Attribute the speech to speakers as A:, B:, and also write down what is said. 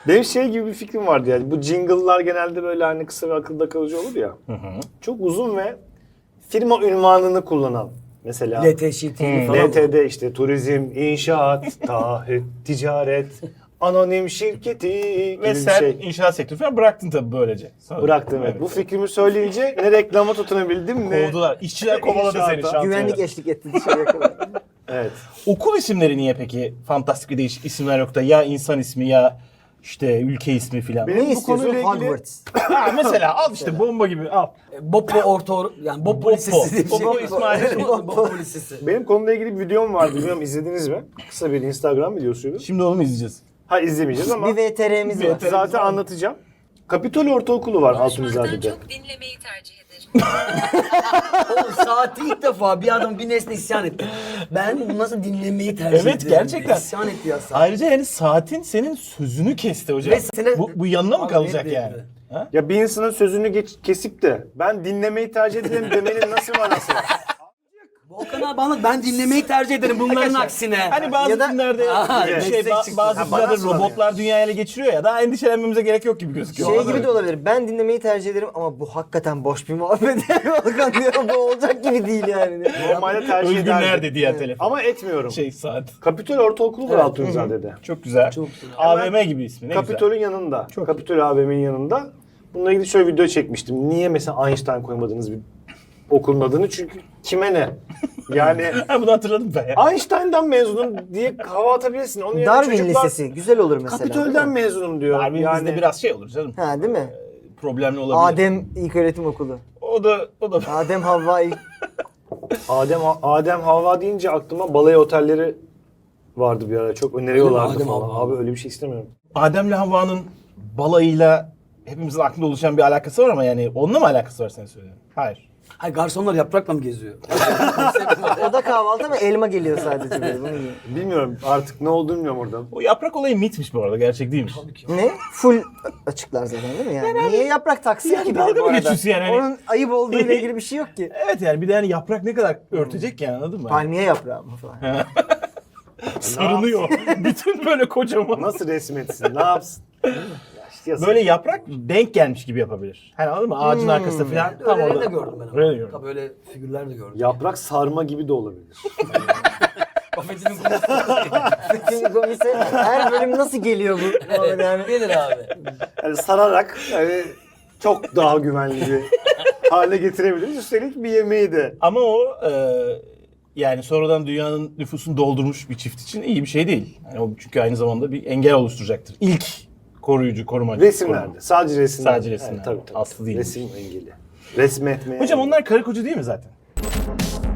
A: Benim şey gibi bir fikrim vardı yani. Bu jingle'lar genelde böyle hani kısa ve akılda kalıcı olur ya. Çok uzun ve firma ünvanını kullanan. Mesela
B: LTŞT falan.
A: LTD işte turizm, inşaat, taahhüt, ticaret, anonim şirketi gibi
C: Ve
A: bir
C: sen
A: şey.
C: inşaat sektörü falan bıraktın tabii böylece. Sonra.
A: Bıraktım evet. Bu fikrimi söyleyince ne reklama tutunabildim ne...
C: Kovdular. İşçiler kovaladı seni
A: İnşaata.
C: şantiyeden.
B: Güvenlik eşlik etti dışarıya kadar.
A: Evet.
C: Okul isimleri niye peki fantastik ve değişik isimler yok da ya insan ismi ya işte ülke ismi filan.
A: Benim
B: Ne
A: bu
B: istiyorsun?
A: konuyla ilgili-
B: Hogwarts.
C: Ha, mesela al işte bomba gibi al.
B: Boppo yani Boppo
C: Boppo.
B: Lisesi diye bir şey.
C: Boppo İsmail.
B: Boppo Lisesi.
A: Benim konuyla ilgili bir videom vardı. Bilmiyorum izlediniz mi? Kısa bir Instagram videosuydu.
C: Şimdi onu mu izleyeceğiz?
A: Ha izlemeyeceğiz ama
B: Bir VTR'miz var.
A: zaten anlatacağım. Kapitol Ortaokulu var
D: Konuşmaktan
A: Altunizade'de.
D: çok dinlemeyi tercih ederim.
B: O saati ilk defa bir adam bir nesne isyan etti. Ben bunu nasıl dinlemeyi tercih ederim.
C: Evet, gerçekten.
B: İsyan etti ya saat.
C: Ayrıca yani saatin senin sözünü kesti hocam.
B: Ve sene-
C: Bu yanına mı
B: Abi,
C: kalacak
B: evet,
C: yani?
B: evet.
C: Ha?
A: Ya bir insanın sözünü kesip de ben dinlemeyi tercih ederim demenin nasıl manası var?
B: Volkan abi anlat, ben dinlemeyi tercih ederim bunların aksine.
C: Hani bazı
B: Ya da-
C: filmlerde
B: Aha,
C: şey,
B: meslek
C: bazı
A: Ha,
C: filmlerde
A: bana sor
C: robotlar dünyayı ele geçiriyor ya, daha endişelenmemize gerek yok gibi gözüküyor.
E: Şey gibi de olabilir. Ben dinlemeyi tercih ederim ama bu hakikaten boş bir muhabbet. Volkan diyor bu olacak gibi değil yani.
A: Normalde tercih
C: Özgür
A: ederdim.
C: nerede diye telefon.
A: Ama etmiyorum.
C: Şey saat.
A: Kapitol Ortaokulu var Altunizade'de.
C: Çok güzel.
B: Çok güzel.
C: AVM gibi ismi, ne
A: Kapitol'ün
C: güzel.
A: yanında. Kapitol AVM'nin yanında. Bununla ilgili şöyle video çekmiştim. Niye mesela Einstein koymadınız bir okulun adını? Çünkü kime ne? Yani
C: Ha, bunu hatırladım ben ya.
A: Einstein'dan mezunum diye hava atabilirsin. Onun yerine
E: Darwin
A: çocuklar
E: Lisesi güzel olur mesela.
A: Kapitol'den mezunum diyor.
C: Darwin
A: yani
C: bizde biraz şey olur canım.
E: Ha değil mi?
C: Problemli olabilir.
E: Adem İlköğretim Okulu.
C: O da
E: Adem Havva
A: Adem Havva deyince aklıma balayı otelleri vardı bir ara. Çok öneriyorlardı
B: Adem
A: falan.
B: Havva.
A: Abi öyle bir şey istemiyorum.
C: Adem'le Havva'nın balayıyla hepimizin aklında oluşan bir alakası var ama yani onunla mı alakası var sen söyle? Hayır.
B: Hayır, garsonlar yaprakla mı geziyor?
E: o da kahvaltı ama elma geliyor sadece böyle. Bunu yiyor.
A: Bilmiyorum artık ne olduğunu bilmiyorum oradan.
C: O yaprak olayı mitmiş bu arada, gerçek değilmiş.
E: Ne? Full açıklar zaten değil mi yani? Niye yaprak taksın
C: Yani
E: ki
C: dalga
E: bir de bu
C: mı
E: arada?
C: geçiyorsun yani? Hani-
E: Onun ayıp olduğuyla ilgili bir şey yok ki.
C: Evet yani bir de yani yaprak ne kadar örtecek yani, anladın mı?
E: Palmiye yaprağı mı falan.
C: Sarılıyor. Bütün böyle kocaman.
A: Nasıl resmetsin? Ne yapsın? Ya işte yazık.
C: Böyle yaprak denk gelmiş gibi yapabilir. Hani anladın mı? Ağacın arkasında falan. Tam
B: Öyle
C: orada.
B: de gördüm ben.
C: Öyle de gördüm.
B: Tabii öyle figürler de gördüm.
A: Yaprak sarma gibi de olabilir.
B: Kafetinin konusu.
E: Bütün komise her bölüm nasıl geliyor bu? Yani
B: Gelir abi.
A: Yani sararak yani çok daha güvenli bir hale getirebiliriz. Üstelik bir yemeği de.
C: Ama o yani sonradan dünyanın nüfusunu doldurmuş bir çift için iyi bir şey değil. Yani o çünkü aynı zamanda bir engel oluşturacaktır. İlk koruyucu, korumacı.
A: Resimlerde. Sadece resimlerde.
C: Sadece resimlerde.
A: Evet, tabii.
C: Aslı değil.
A: Resim engeli. Resmetmeye.
C: Hocam onlar karı koca değil mi zaten?